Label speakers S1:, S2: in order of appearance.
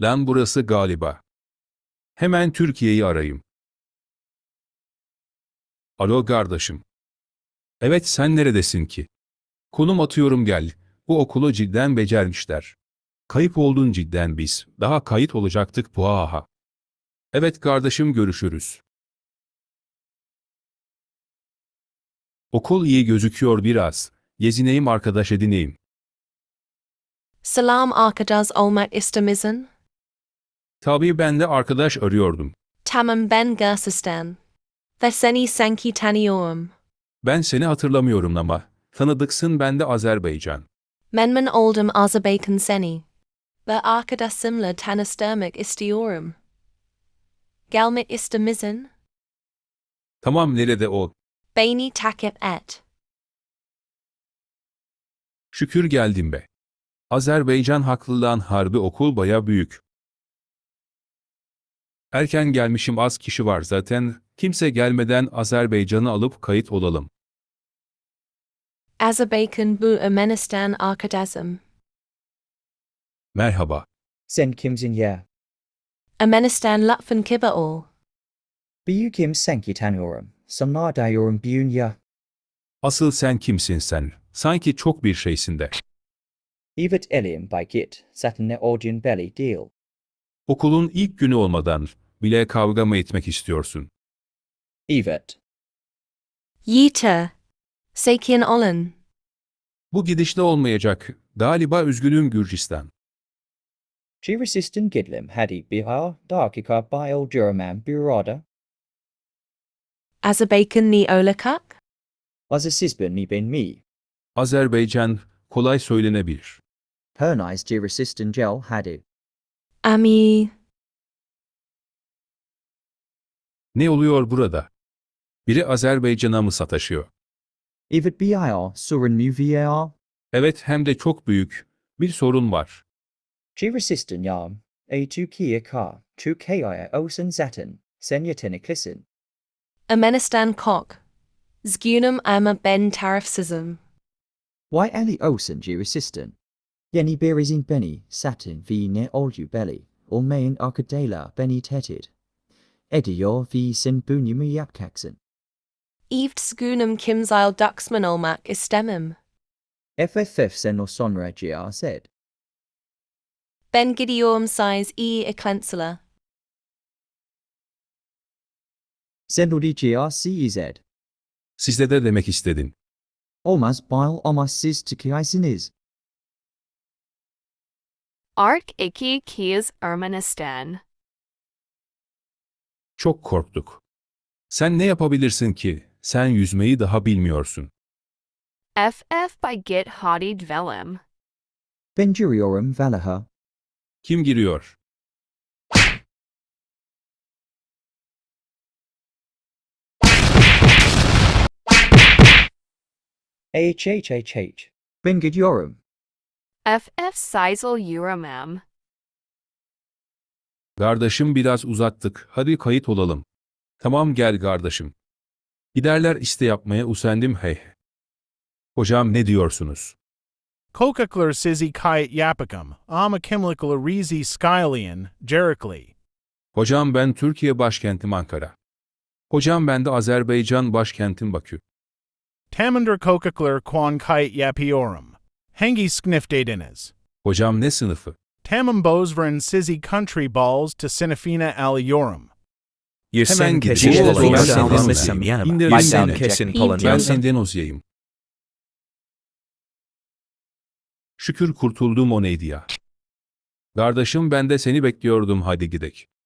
S1: Lan burası galiba. Hemen Türkiye'yi arayayım. Alo kardeşim. Evet sen neredesin ki? Konum atıyorum gel. Bu okulu cidden becermişler. Kayıp oldun cidden biz. Daha kayıt olacaktık puaha. Evet kardeşim görüşürüz. Okul iyi gözüküyor biraz. Gezineyim arkadaş edineyim.
S2: Salam arkadaş olmak ister misin?
S1: Tabii ben de arkadaş arıyordum.
S2: Tamam ben Gürcistan. Ve seni sanki tanıyorum.
S1: Ben seni hatırlamıyorum ama. Tanıdıksın ben de Azerbaycan.
S2: Memnun oldum Azerbaycan seni. Ve arkadaşımla tanıştırmak istiyorum. Gelmek ister misin?
S1: Tamam nerede o?
S2: Beni takip et.
S1: Şükür geldim be. Azerbaycan haklılığın harbi okul baya büyük. Erken gelmişim az kişi var zaten. Kimse gelmeden Azerbaycan'ı alıp kayıt olalım.
S2: Azerbaycan bu Ermenistan arkadaşım.
S1: Merhaba.
S3: Sen kimsin ya?
S2: Ermenistan lütfen kibar ol.
S3: Bu kim sanki tanıyorum. Sana diyorum bugün ya.
S1: Asıl sen kimsin sen? Sanki çok bir şeysin de.
S3: Evet elim by git. Zaten ne olduğun belli değil.
S1: Okulun ilk günü olmadan bile kavga mı etmek istiyorsun?
S3: Evet.
S2: Yeter. Sakin olun.
S1: Bu gidişle olmayacak. Galiba üzgünüm Gürcistan.
S3: Girisistan gidlim hadi bihar dakika bayıl German burada.
S2: Azerbaycan ni olacak?
S3: Azizisban ni ben mi.
S1: Azerbaycan kolay söylenebilir.
S3: Pernice Girisistan gel hadi.
S2: Ami.
S1: Ne oluyor burada? Biri Azerbaycan'a mı sataşıyor?
S3: Evet bir sorun mu var?
S1: Evet hem de çok büyük. Bir sorun var.
S3: Girisistan yam. Türkiye ka. Türkiye olsun zaten. Sen yeteneklisin.
S2: Ermenistan kok. Zgunum ama ben tarafsızım.
S3: Why ali olsun Girisistan? Yeni berizin beni satin vi ne oldu belli. Olmayan arkadayla beni tehdit. Ediyor vi sen bunyumu yapacaksın.
S2: Evt zgunum kimzile duxman olmak istemem.
S3: FFF sen o sonra GRZ.
S2: Ben gidiyorum size eklensula.
S3: Sen odi GRCZ.
S1: Sizde de demek istedin.
S3: Olmaz bile olmaz siz tıkıyaysınız.
S4: Ark iki Kias Ermenistan.
S1: Çok korktuk. Sen ne yapabilirsin ki? Sen yüzmeyi daha bilmiyorsun.
S4: FF by Git Hadi Dvelim.
S3: Ben giriyorum valaha.
S1: Kim giriyor?
S3: HHHH. Ben gidiyorum.
S4: FF Sizel Uramem.
S1: Kardeşim biraz uzattık. Hadi kayıt olalım. Tamam gel kardeşim. Giderler iste yapmaya usandım hey. Hocam ne diyorsunuz?
S5: Kokakler sizi kayet yapakam, ama kimlikler rizi skylian, Jerikli.
S1: Hocam ben Türkiye başkentim Ankara. Hocam ben de Azerbaycan başkentim Bakü.
S5: Tamander kokakler kwan kayet yapiorum. Hangi skniftadines.
S1: Hocam ne sınıfı?
S5: Tamam bozveren sizi country balls to sinafina aliorum.
S1: Hemen
S6: kesin
S1: gideceğim.
S6: Polonya'da
S1: Ben senden
S6: alınmışsam
S1: Ozya'yım.
S6: yanıma.
S1: İndirin
S6: Ben
S1: beni.
S6: kesin
S2: Ben
S1: Ben
S6: Polonya'da.
S1: senden Ozya'yım. Şükür kurtuldum o neydi ya. Kardeşim ben de seni bekliyordum hadi gidek.